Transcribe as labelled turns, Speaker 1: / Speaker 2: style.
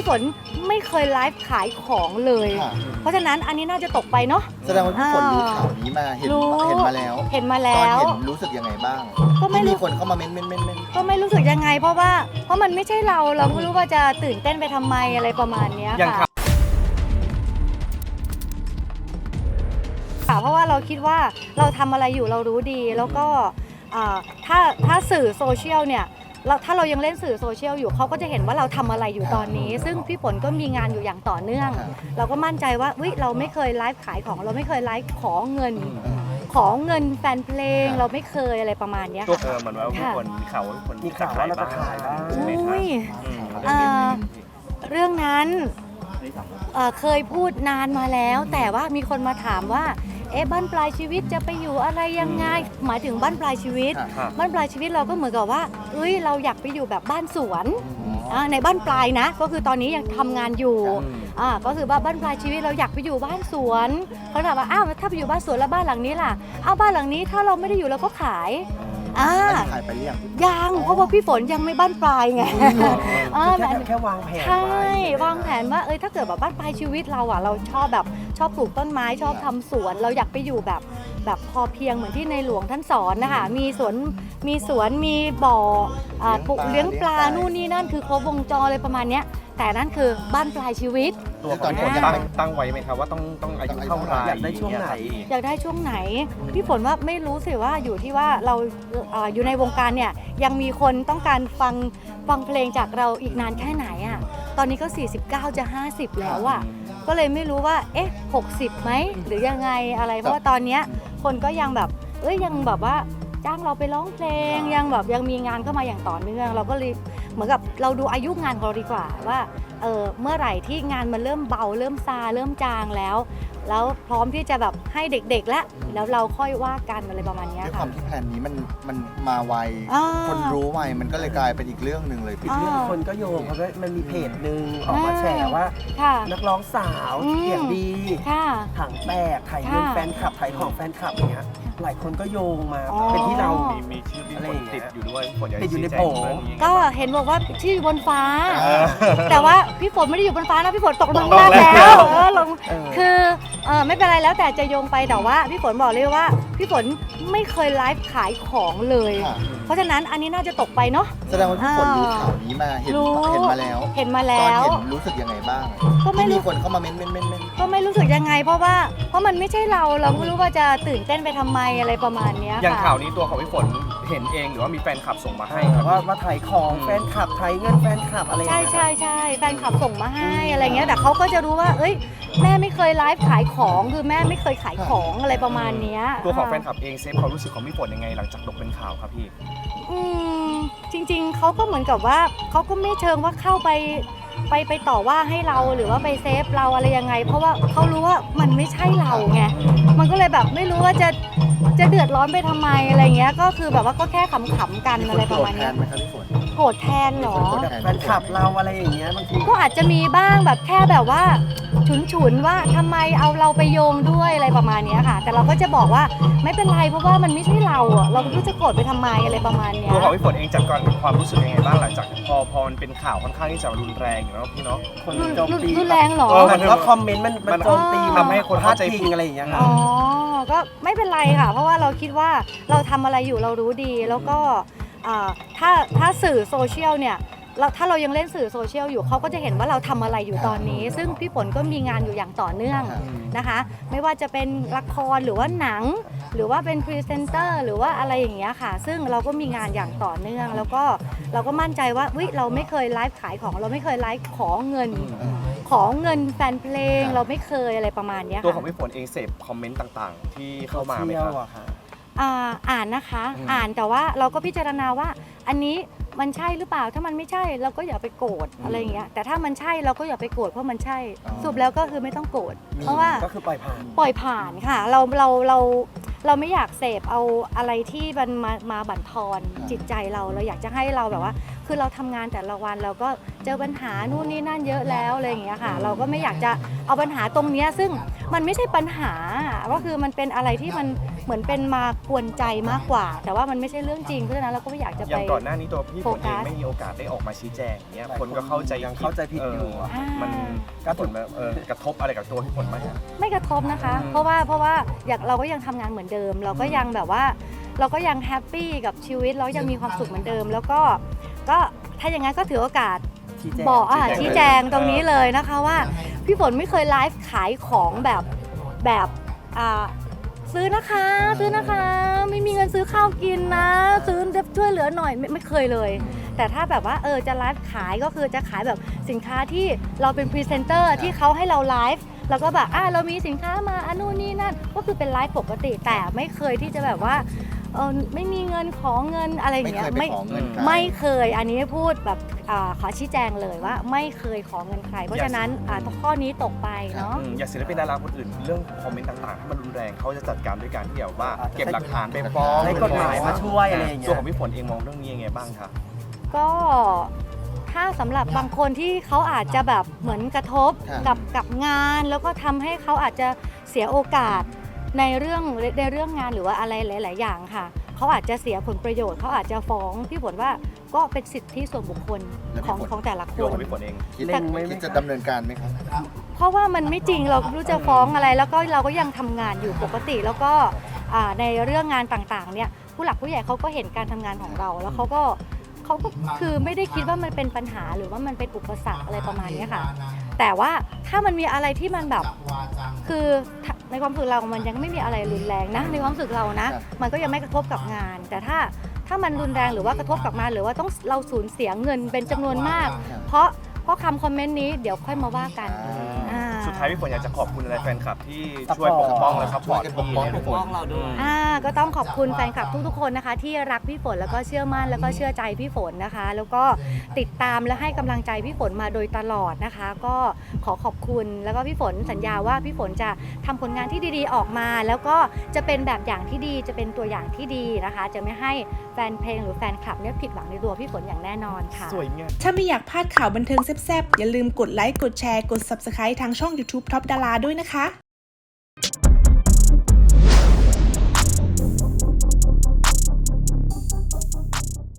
Speaker 1: พี่ฝนไม่เคยไลฟ์ขายของเลย เพราะฉะนั้นอันนี้น่าจะตกไปเนาะ
Speaker 2: แสดงว่าพี่ฝนรู้ข่าวนี้มาเห็นมาแล้ว
Speaker 1: เห็นมาแล้
Speaker 2: ตอน
Speaker 1: ว
Speaker 2: เห็นรู้สึกยังไงบ้าง
Speaker 1: ก็ไม่
Speaker 2: มีคนเข้ามาเม้น
Speaker 1: ก็ไม่รู้สึกยังไงเพราะมันไม่ใช่เราไม่รู้ว่าจะตื่นเต้นไปทำไมอะไรประมาณนี้ค่ะเพราะว่าเราคิดว่าเราทำอะไรอยู่เรารู้ดีแล้วก็ถ้าสื่อโซเชียลเนี่ยถ้าเรายังเล่นสื่อโซเชียลอยู่เขาก็จะเห็นว่าเราทำอะไรอยู่ตอนนี้ซึ่งพี่ฝนก็มีงานอยู่อย่างต่อเนื่องเราก็มั่นใจว่าเราไม่เคยไลฟ์ขายของเราไม่เคยไลฟ์ขอเงินแฟนเพลงเราไม่เคยอะไรประมาณนี้
Speaker 3: ตัวเหมือนว่ามีคนมีข่าวว่าเราจะขายบ้าง
Speaker 1: เรื่องนั้นเคยพูดนานมาแล้วแต่ว่ามีคนมาถามว่าบ้านปลายชีวิตจะไปอยู่อะไรยังไงหมายถึงบ้านปลายชีวิตเราก็เหมือนกับว่าเราอยากไปอยู่แบบบ้านสวนในบ้านปลายนะก็คือตอนนี้ยังทำงานอยู่ก็คือว่าบ้านปลายชีวิตเราอยากไปอยู่บ้านสวนเขาถามว่าถ้าไปอยู่บ้านสวนแล้วบ้านหลังนี้ล่ะบ้านหลังนี้ถ้าเราไม่ได้อยู่เราก็ขาย
Speaker 2: ขายไปเรียก
Speaker 1: ยังเพราะว่าพี่ฝนยังไม่บ้านปลายไง
Speaker 3: แค่วางแผน
Speaker 1: ใช่วางแผนว่าถ้าเกิดแบบบ้านปลายชีวิตเราเราชอบปลูกต้นไม้ชอบทำสวนเราอยากไปอยู่แบบพอเพียงเหมือนที่ในหลวงท่านสอนนะคะมีสวนมีบ่อปลูกเลี้ยงปลานู่นนี่นั่นคือครบวงจรเลยประมาณนี้แต่นั่นคือบ้านปลายชีวิต
Speaker 3: ตัวตอนนี้ตั้งไว้ไหมครับว่าต้องอายุเท่าไหร่อยากได้ช่วงไห
Speaker 1: นพี่ฝนว่าไม่รู้สิว่าอยู่ที่ว่าเราอยู่ในวงการเนี่ยยังมีคนต้องการฟังเพลงจากเราอีกนานแค่ไหนตอนนี้ก็49จะ50แล้วก็เลยไม่รู้ว่า60ไหมหรือยังไงอะไรเพราะว่าตอนนี้คนก็ยังแบบยังแบบว่าจ้างเราไปร้องเพลงยังมีงานเข้ามาอย่างต่อเนื่องเราก็เลยเหมือนกับเราดูอายุงานของเราดีกว่าว่าเมื่อไหร่ที่งานมันเริ่มเบาเริ่มซาเริ่มจางแล้วพร้อมที่จะแบบให้เด็กๆแล้วเราค่อยว่ากันอะไรประมาณนี้ค่ะ
Speaker 2: ด้วยความที่แผนนี้มันมาไวคนรู้ไวมันก็เลยกลายเป็นอีกเรื่องหนึ่งเลยพี่
Speaker 3: คนก็โยงเพราะมันมีเพจหนึ่งออกมาแฉว่านักร้องสาวเสียงดีถังแตกถ่ายเงินแฟนคลับถ่ายของแฟนคลับอย่างเงี้ยหลายคนก็โยงมาเป็นที่เรามีชื่อพี่ฝนติดอยู่ด้วยติดอยู่ในโผ
Speaker 1: ก็เห็นบอกว่าชื่อบนฟ้าแต่ว่าพี่ฝนไม่ได้อยู่บนฟ้านะพี่ฝนตกลงล่างแล้วคือไม่เป็นไรแล้วแต่จะโยงไปแต่ว่าพี่ฝนบอกเลยว่าพี่ฝนไม่เคยไลฟ์ขายของเลยเพราะฉะนั้นอันนี้น่าจะตกไปเนาะ
Speaker 2: แสดงว่าพี่ฝนรู้ข่าวนี้มาเห็นมาแล้ว
Speaker 1: ตอนเห็น
Speaker 2: รู้สึกยังไงบ้าง
Speaker 1: ก็ไม่
Speaker 2: มีคนเข้ามาเม้น
Speaker 1: ก็ไม่รู้สึกยังไงเพราะมันไม่ใช่เราไม่รู้ว่าจะตื่นเต้นไปทำไมอะไรประมาณนี้
Speaker 3: อย่างข่าวนี้ตัวของพี่ฝนเห็นเองหรือว่ามีแฟนคลับส่งมาให้ครับว่าถ่ายของแฟนคลับถ่ายเงินแฟนคลับอะไร
Speaker 1: ใช่แฟนคลับส่งมาให้อะไรเงี้ยแต่เขาก็จะรู้ว่าแม่ไม่เคยไลฟ์ขายของคือแม่ไม่เคยขายของอะไรประมาณนี้
Speaker 3: ตัวของแฟนคลับเองเซฟความรู้สึกของพี่ฝนยังไงหลังจากตกเป็นข่าวครับพี่
Speaker 1: จริงๆเขาก็เหมือนกับว่าเขาก็ไม่เชิงว่าเข้าไปต่อว่าให้เราหรือว่าไปเซฟเราอะไรยังไงเพราะว่าเขารู้ว่ามันไม่ใช่เราไงมันก็เลยแบบไม่รู้ว่าจะเดือดร้อนไปทำไมอะไรเงี้ยก็คือแบบว่าก็แค่ขำๆกันอะไรประมาณนี้โกรธแทนหรอ
Speaker 3: แฟนคลับเราอะไรอย่างเงี้ยบางที
Speaker 1: ก็อาจจะมีบ้างแบบแค่แบบว่าฉุนว่าทำไมเอาเราไปโยงด้วยอะไรประมาณนี้ค่ะแต่เราก็จะบอกว่าไม่เป็นไรเพราะว่ามันไม่ใช่เราเราไม่รู้จะโกรธไปทำไมอะไรประมาณนี้
Speaker 3: ตัวของพี่ฝนเองจัดการกับความรู้สึกยังไงบ้างหลังจากพอมันเป็นข่าวค่อนข้างที่จะรุนแรงอยู่แล้วพี่เนาะ
Speaker 1: คนโจมตีรุนแรงหรอ
Speaker 3: แล้วคอมเมนต์มันโจมตีทำให้คนเข้าใจผิดอะไรอย่างเงี้ย
Speaker 1: ก็ไม่เป็นไรค่ะเพราะว่าเราคิดว่าเราทำอะไรอยู่เรารู้ดีแล้วก็ถ้าสื่อโซเชียลเนี่ยถ้าเรายังเล่นสื่อโซเชียลอยู่เขาก็จะเห็นว่าเราทำอะไรอยู่ตอนนี้ซึ่งพี่ฝนก็มีงานอยู่อย่างต่อเนื่องนะคะไม่ว่าจะเป็นละครหรือว่าหนังหรือว่าเป็นพรีเซนเตอร์หรือว่าอะไรอย่างเงี้ยค่ะซึ่งเราก็มีงานอย่างต่อเนื่องแล้วก็เราก็มั่นใจว่าเราไม่เคยไลฟ์ขายของเราไม่เคยไลฟ์ขอเงินแฟนเพลงเราไม่เคยอะไรประมาณนี้
Speaker 3: ตัวของพี่ฝนเองเสพคอมเมนต์ต่างๆที่เข้ามาไหมครับ
Speaker 1: อ่านนะคะอ่านแต่ว่าเราก็พิจารณาว่าอันนี้มันใช่หรือเปล่าถ้ามันไม่ใช่เราก็อย่าไปโกรธอะไรอย่างเงี้ยแต่ถ้ามันใช่เราก็อย่าไปโกรธเพราะมันใช่สรุปแล้วก็คือไม่ต้องโกรธเพราะว่า
Speaker 3: ก็คือปล่อย
Speaker 1: ผ่านค่ะเราไม่อยากเสพเอาอะไรที่มันมาบั่นทอนจิตใจเราอยากจะให้เราแบบว่าคือเราทำงานแต่ละวันเราก็เจอปัญหานู่นนี่นั่นเยอะแล้วอะไรอย่างเงี้ยค่ะเราก็ไม่อยากจะเอาปัญหาตรงเนี้ยซึ่งมันไม่ใช่ปัญหาก็คือมันเป็นอะไรที่มันเหมือนเป็นมากวนใจมากกว่า แต่ว่ามันไม่ใช่เรื่องจริงเพราะฉะนั้นเราก็ไม่อยากจะ
Speaker 4: อ
Speaker 1: ไป
Speaker 4: ย่างก่อนหน้านี้ตัวพี่ฝนเอง
Speaker 1: โฟกัส
Speaker 4: ไม่มีโอกาสได้ออกมาชี้แจงอย่างเงี้ยคนก็เข้าใจ
Speaker 3: ยังเข้าใจผิดอยู่
Speaker 4: มันก็ผลแบบกระทบอะไรกับตัวพี่ฝนไหม
Speaker 1: ไม่กระทบนะคะ
Speaker 4: อืม
Speaker 1: เพราะว่าอย่างเราก็ยังทำงานเหมือนเดิม เราก็ยังแบบว่าเราก็ยังแฮปปี้กับชีวิตเรายังมีความสุขเหมือนเดิม แล้วก็ถ้าอย่างนั้นก็ถือโอกาส บอกชี้แจงตรงนี้เลยนะคะว่าพี่ฝนไม่เคยไลฟ์ขายของแบบซื้อนะคะไม่มีเงินซื้อข้าวกินนะซื้อช่วยเหลือหน่อยไม่เคยเลย แต่ถ้าแบบว่าจะไลฟ์ขายก็คือจะขายแบบสินค้าที่เราเป็นพรีเซนเตอร์ที่เขาให้เราไลฟ์แล้วก็แบบเรามีสินค้ามานู่นนี่นั่นก็คือเป็นไลฟ์ปกติแต่ไม่เคยที่จะแบบว่าไม่มีเงินขอเงินอะไรอย่างเงี้ย
Speaker 2: ไม่เคยไปขอเงินใคร
Speaker 1: ไม่เคยอันนี้พูดแบบขอชี้แจงเลยว่าไม่เคยขอเงินใคร เพราะฉะนั้นข้อนี้ตกไปเนาะ
Speaker 4: อย่างศิลปินดาราคนอื่นเรื่องคอมเมนต์ต่างๆถ้ามันรุนแรงเขาจะจัดการด้วยการที่แบบว่าเก็บหลักฐานไปฟ้อง
Speaker 3: ใช้กฎหมายมาช่วยอะไรอย่างเงี้ย
Speaker 4: ตัวของพี่ฝนเองมองเรื่องนี้ยังไงบ้างคะ
Speaker 1: ก็ถ้าสำหรับบางคนที่เขาอาจจะแบบเหมือนกระทบ
Speaker 2: ครับ
Speaker 1: กับงาน แล้วก็ทำให้เขาอาจจะเสียโอกาสในเรื่องงานหรือว่าอะไรหลายๆอย่างค่ะเขาอาจจะเสียผลประโยชน์เขาอาจจะฟ้องพี่ฝนว่าก็เป็นสิทธิส่วนบุคคลของแต่ละค
Speaker 4: ตัวน ของพี่ฝนเอง
Speaker 2: คิดจะดำเนินการไหมครับ
Speaker 1: เพราะว่ามันไม่จริงเราไม่รู้จะฟ้องอะไรแล้วก็เราก็ยังทำงานอยู่ปกติแล้วก็ในเรื่องงานต่างๆเนี่ยผู้หลักผู้ใหญ่เขาก็เห็นการทำงานของเราแล้วเขาก็คือไม่ได้คิดว่ามันเป็นปัญหาหรือว่ามันเป็นอุปสรรคอะไรประมาณนี้ค่ะแต่ว่าถ้ามันมีอะไรที่มันแบบคือในความรู้สึกเรามันยังไม่มีอะไรรุนแรงนะในความรู้สึกเรานะมันก็ยังไม่กระทบกับงาน แต่ถ้ามันรุนแรงหรือว่ากระทบกับงานหรือว่าต้องเราสูญเสียเงินเป็นจำนวนมาก เพราะคำคอมเมนต์นี้เดี๋ยวค่อยมาว่ากัน
Speaker 4: สุดท้ายพี่ฝนอยากจะขอบคุณอะไรแฟนคลับที่ช่วยปกป้องและซัพพอร์ตพี่ในทุกคน
Speaker 1: ก็ต้องขอบคุณแฟนคลับทุกๆคนนะคะ ที่รักพี่ฝนแล้วก็เชื่อมั่นแล้วก็เชื่อใจพี่ฝนนะคะ แล้วก็ติดตามและให้กำลังใจพี่ฝนมาโดยตลอดนะคะ ก็ขอขอบคุณแล้วก็พี่ฝนสัญญาว่าพี่ฝนจะทำผลงานที่ดีๆออกมา แล้วก็จะเป็นแบบอย่างที่ดีจะเป็นตัวอย่างที่ดีนะคะ จะไม่ให้แฟนเพลงหรือแฟนคลับเนี่ยผิดหวังในตัวพี่ฝนอย่างแน่นอนค่ะ
Speaker 4: สวยงาม
Speaker 5: ถ้าไม่อยากพลาดข่าวบันเทิงแซ่บๆอย่าลืมกดไลค์กดแชร์กด Subscribe ทางช่อง YouTube Top Dara ด้วยนะคะ